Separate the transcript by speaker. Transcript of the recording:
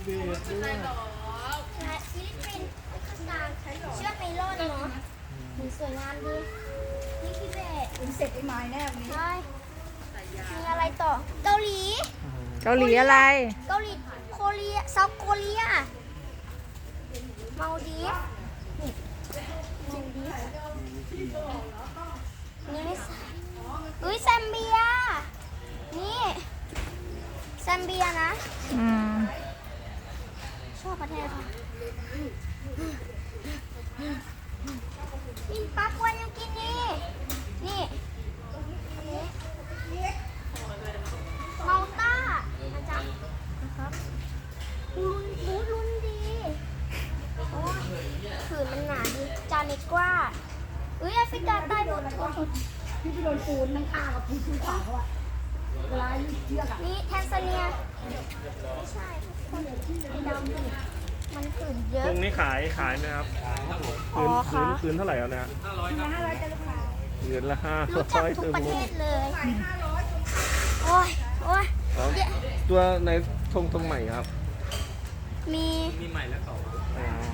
Speaker 1: เบสด้วย
Speaker 2: ฟิลิปปินส์การเชือกไนล่อนเนาะสวยงามดีนี่ทิเบต
Speaker 3: เป็นเสร็จไอ้ไม้แน่วันนี้
Speaker 2: ใช่มีอะไรต่อเกาหลี
Speaker 4: เกาหลีอะไร
Speaker 2: เกาหลีโคเรียเซาท์โคเรียมาดีฟนี่มาดีฟนี่ไม่ใช่อุ้ยแซมเบียนี่แซมเบียนะ
Speaker 4: อืม
Speaker 2: ชอบประเทศค่ะมินปักวันยังกินนี่นี่อันนี้เมาต้าอาจารย์นะครับลุ้นดีโอ้ยผืนมันหนาดีจานิกว่าอุ้ยแอฟริกาใต้บูทูธ
Speaker 3: ที่ไปโดนปูนนั่งข้างกับปูนขวาเขาอะเวลาเชือกอะ
Speaker 2: นี่แทนซาเนียไม่ใช่คนดำดิมันผืนเยอะ
Speaker 1: ตรงนี้ขายไหมครับ
Speaker 2: อ๋อค่ะ
Speaker 1: คืนเท่าไหร่แล้วนะ
Speaker 3: 500จะราคา
Speaker 1: เดือนละ500
Speaker 2: รู้จักทุกประเทศเลย โอ้ย โอ้ย
Speaker 1: อ๋อ
Speaker 2: เดี๋ยว
Speaker 1: ตัวในธงใหม่ครับ
Speaker 2: มี
Speaker 1: อ๋อ